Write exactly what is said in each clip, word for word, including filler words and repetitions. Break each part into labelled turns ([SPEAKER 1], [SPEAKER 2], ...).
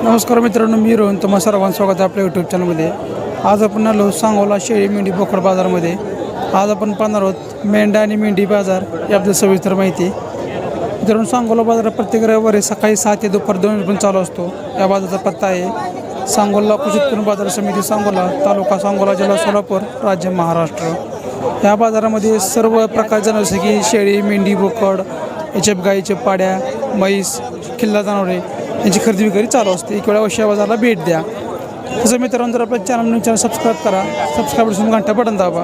[SPEAKER 1] नमस्कार मित्रांनो, मी रोहन. तुम्हा सर्वांचं स्वागत आहे आपल्या यूट्यूब चॅनलमध्ये. आज आपण आलो सांगोला शेळी मेंढी बोकड बाजारामध्ये. आज आपण पाहणार आहोत मेंढा आणि मेंढी बाजार याबद्दल सविस्तर माहिती. मित्रांनो, सांगोला बाजार प्रत्येक रविवारी सकाळी सहा ते दुपार दोन पण चालू असतो. या बाजाराचा पत्ता आहे सांगोला कृषी उत्पन्न बाजार समिती, सांगोला, तालुका सांगोला, जिल्हा सोलापूर, राज्य महाराष्ट्र. या बाजारामध्ये सर्व प्रकारचे जसे की शेळी, मेंढी, बोकड, याच्या गाईच्या पाड्या, म्हैस, खिल्ला जनावरे यांची खरेदी विक्री चालू असते. एक वेळा अवश्य बाजाराला भेट द्या. तसं मित्रांनो, जर आपल्या चॅनल चॅनल सबस्क्राईब करा. सबस्क्राईब करून घंटा बटन दाबा.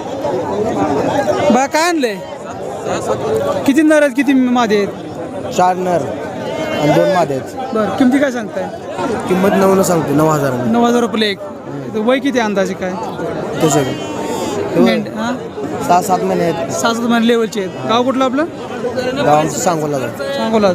[SPEAKER 1] बा काय आणले? किती नर आहेत, किती मादे आहेत?
[SPEAKER 2] चार नर आणि दोन मादे आहेत.
[SPEAKER 1] बरं, किमती काय सांगताय?
[SPEAKER 2] किंमत नऊला सांगते, नऊ हजार
[SPEAKER 1] नऊ हजार रुपये एक. वय किती अंदाजे काय?
[SPEAKER 2] तसे
[SPEAKER 1] मेंढ हां
[SPEAKER 2] सहा सात महिने आहेत.
[SPEAKER 1] सहा सात महिने लेवलचे आहेत. गाव कुठलं आपलं?
[SPEAKER 2] गाव आमचं सांगोला जातं.
[SPEAKER 1] सांगोला.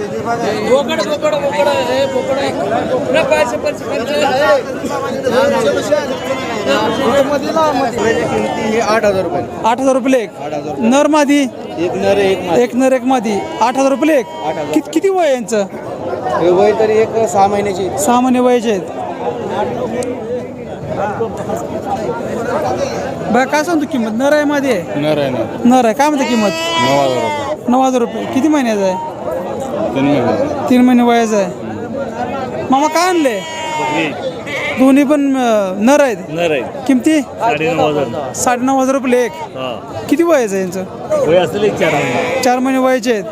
[SPEAKER 2] आठ हजार रुपये.
[SPEAKER 1] आठ हजार रुपये एक. नर मादी
[SPEAKER 2] एक नर एक
[SPEAKER 1] एक नर एक मादी. आठ हजार रुपये एक. किती किती वय आहे यांचं?
[SPEAKER 2] वय तरी एक सहा महिन्याची.
[SPEAKER 1] सहा महिने वयाचे आहेत. बघा काय सांगतो किंमत? नर आहे मादी आहे?
[SPEAKER 2] नर आहे ना.
[SPEAKER 1] नर आहे. काय म्हणते किंमत?
[SPEAKER 2] नऊ हजार रुपये.
[SPEAKER 1] नऊ हजार रुपये. किती महिन्याचा आहे?
[SPEAKER 2] तीन महिने.
[SPEAKER 1] तीन महिने वयाचा आहे. मामा काय आणले? दोन्ही पण अं, नर आहेत.
[SPEAKER 2] नर आहे.
[SPEAKER 1] किमती?
[SPEAKER 2] साडेनऊ हजार.
[SPEAKER 1] साडेनऊ हजार रुपये एक. किती वयाचं आहे यांचं?
[SPEAKER 2] वय असेल एक चार महिने.
[SPEAKER 1] चार महिने वयाचे आहेत.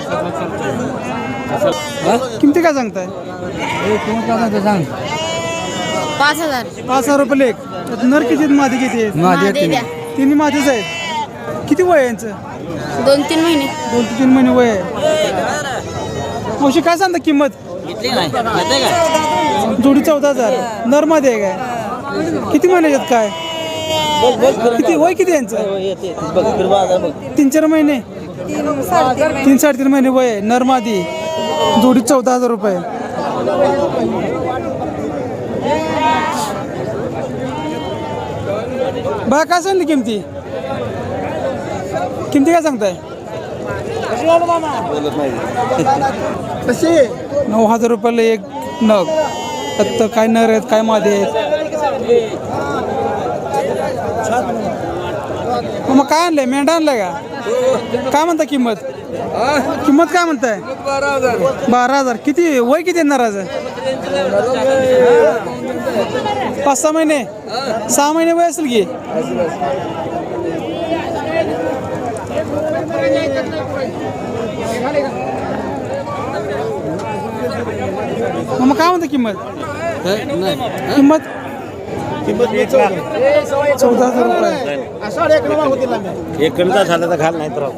[SPEAKER 1] किमती काय सांगताय?
[SPEAKER 2] सांग.
[SPEAKER 3] पाच हजार.
[SPEAKER 1] पाच हजार रुपये एक. त्यात नर किती आहेत, मादी किती आहेत?
[SPEAKER 3] मादे द्या.
[SPEAKER 1] तिन्ही मादीच आहेत. किती वय आहे यांचं?
[SPEAKER 3] दोन तीन महिने.
[SPEAKER 1] दोन ते तीन महिने वय आहे. मावशी काय सांगता किंमत? जोडी चौदा हजार. नर मध्ये आहे काय? किती महिन्यात काय? किती वय किती यांचं? तीन चार महिने. तीन साडेतीन महिने वय आहे. नर मादी. जोडी चौदा हजार रुपये. बा काय सांगली किमती? किमती काय सांगताय? नऊ हजार रुपयाला एक नग. त्यात काय नर आहेत, काय मादे आहेत. मग काय आणलंय? मेंढा आणलाय का? काय म्हणता किंमत? किंमत काय म्हणताय? बारा हजार. किती वय किती येणार आज? पाच सहा महिने. सहा महिने वय असेल की. मग काय म्हणता किंमत? किंमत चौदा हजार रुपये.
[SPEAKER 2] एक झालं तर घाल नाही तर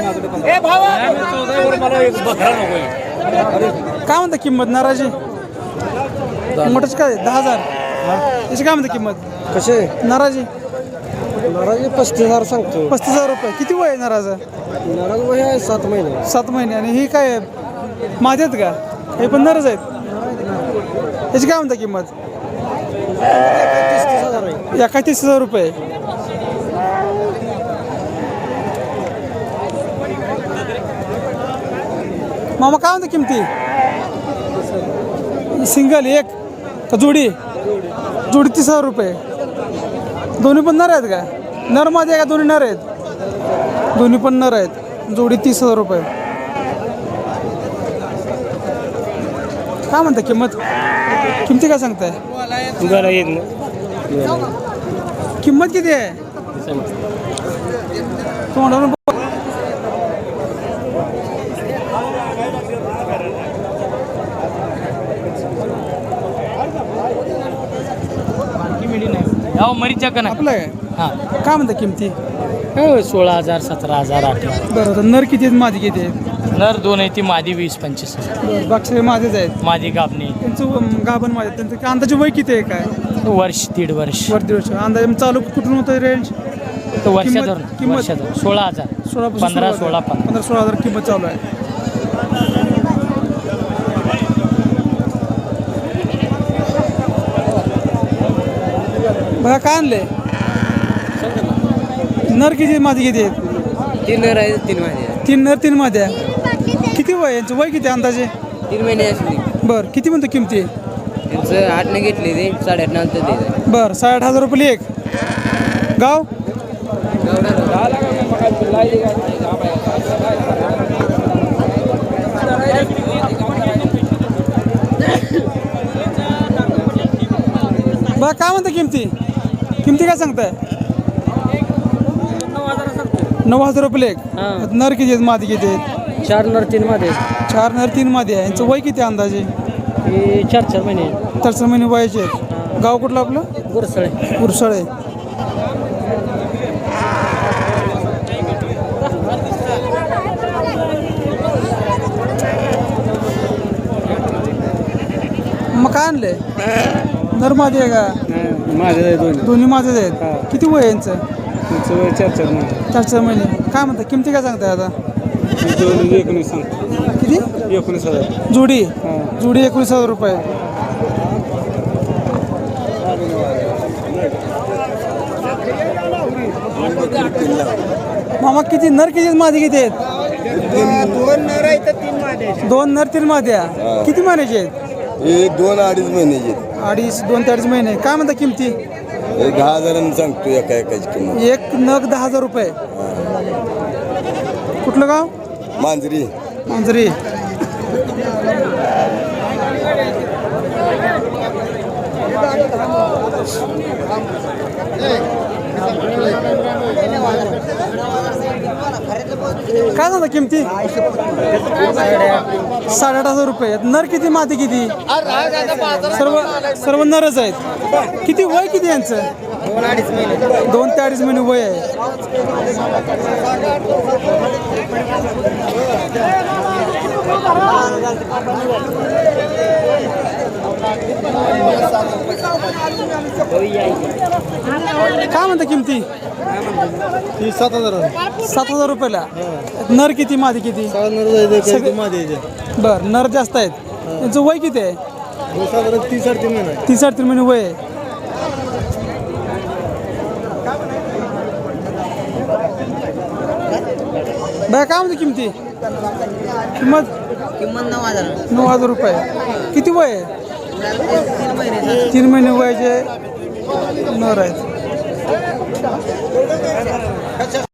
[SPEAKER 1] काय म्हणता किंमत? नाराजी मोठंच काय? दहा हजार. त्याची काय म्हणता किंमत?
[SPEAKER 2] कसे
[SPEAKER 1] नाराजी
[SPEAKER 2] नाराज पस्तीस हजार सांगतो.
[SPEAKER 1] पस्तीस हजार रुपये. किती वय आहे नाराज?
[SPEAKER 2] नाराज वय आहे सात महिने.
[SPEAKER 1] सात महिने. आणि ही काय मादी आहेत का? हे पण नरच आहेत. याची काय म्हणता किंमत? एका तीस हजार रुपये. मामा काय म्हणता किमती? सिंगल एक का जोडी? जोडी तीस हजार रुपये. दोन्ही पण नर आहेत का? नर मध्ये आहे का? दोन्ही नर आहेत. दोन्ही पण नर आहेत. जोडी तीस हजार रुपये. काय म्हणता किंमत? किमती काय सांगताय? किंमत किती आहे? तुम्हाला आपलं आहे. काय म्हणता किमती?
[SPEAKER 4] सोळा हजार सतरा हजार अठरा.
[SPEAKER 1] बरं, तर नर किती आहेत, मादी किती आहेत?
[SPEAKER 4] नर दोन आहे ती मादी वीस पंचवीस हजार.
[SPEAKER 1] बाकी माझेच आहेत.
[SPEAKER 4] मादी गाबणी
[SPEAKER 1] त्यांचं गाभण माझे. त्यांचं अंदाजे वय किती आहे काय?
[SPEAKER 4] वर्ष दीड वर्ष.
[SPEAKER 1] वर दीड वर्ष. अंदाजे चालू कुठून होतं रेंज?
[SPEAKER 4] तो वर्षाधर
[SPEAKER 1] किंमत?
[SPEAKER 4] वर्षाधर सोळा हजार.
[SPEAKER 1] सोळा
[SPEAKER 4] पंधरा सोळा पंधरा
[SPEAKER 1] पंधरा सोळा हजार किंमत चालू आहे. बघा काय आणले? नर किती मादी किती आहेत?
[SPEAKER 2] तीन नर आहेत तीन मादी आहेत.
[SPEAKER 1] तीन नर तीन माद्या. किती वय यांचं? वय किती अंदाजे?
[SPEAKER 5] तीन महिने असली
[SPEAKER 1] बरं किती म्हणतो किमती
[SPEAKER 5] त्यांचं आठने घेतले ते साडेआठ नंतर ते
[SPEAKER 1] बरं साठ हजार रुपये एक गाव बा काय म्हणता किमती किमती काय सांगताय नऊ हजार रुपये एक नर किती आहेत मादी किती आहेत
[SPEAKER 4] चार नर तीन मध्ये
[SPEAKER 1] चार नर तीन मध्ये आहे यांचं वय किती आहे अंदाजे
[SPEAKER 4] हे चार चार महिने
[SPEAKER 1] चार चार महिने वयाचे आहेत गाव कुठलं आपलं
[SPEAKER 4] गुरसळे
[SPEAKER 1] उरसाळे मग काय आणलंय नर मादी आहे का
[SPEAKER 2] माझे दोन
[SPEAKER 1] दोन्ही माझेच आहेत किती वय आहे यांचं
[SPEAKER 2] तुमचं चार चार महिने
[SPEAKER 1] चार चार महिने काय म्हणता किमती काय सांगताय आता
[SPEAKER 2] दोन एकोणीस सांगतो
[SPEAKER 1] किती
[SPEAKER 2] एकोणीस हजार
[SPEAKER 1] जोडी जोडी एकोणीस हजार रुपये मामा किती नर किती मादी किती आहेत
[SPEAKER 2] दोन नर आहे तर तीन माझे
[SPEAKER 1] दोन नर तीन माद्या किती महिन्याचे आहेत
[SPEAKER 6] हे दोन अडीच महिन्याचे आहेत.
[SPEAKER 1] अडीच दोन ते अडीच महिने काय म्हणता किमती
[SPEAKER 6] हे दहा हजारांनी सांगतो एका एकाची किंमत
[SPEAKER 1] एक नग दहा हजार रुपये कुठलं गाव
[SPEAKER 6] मांजरी
[SPEAKER 1] मांजरी काय सांगता किमती साडेआठ हजार रुपये नर किती माती किती सर्व सर्व नरच आहेत किती वय किती यांचं दोन ते अडीच महिने वय आहे काय म्हणता किमती
[SPEAKER 2] सात हजार
[SPEAKER 1] सात हजार रुपयाला नर किती मादी किती बर नर जास्त आहेत त्यांचं वय किती आहे
[SPEAKER 2] तीस साडेतीन महिने
[SPEAKER 1] तीस साडेतीन महिने वय आहे बाय काय म्हणते किमती किंमत
[SPEAKER 5] किंमत नऊ हजार
[SPEAKER 1] नऊ हजार रुपये किती वय आहे
[SPEAKER 5] तीन महिने
[SPEAKER 1] तीन महिने वयाचे नर आहेत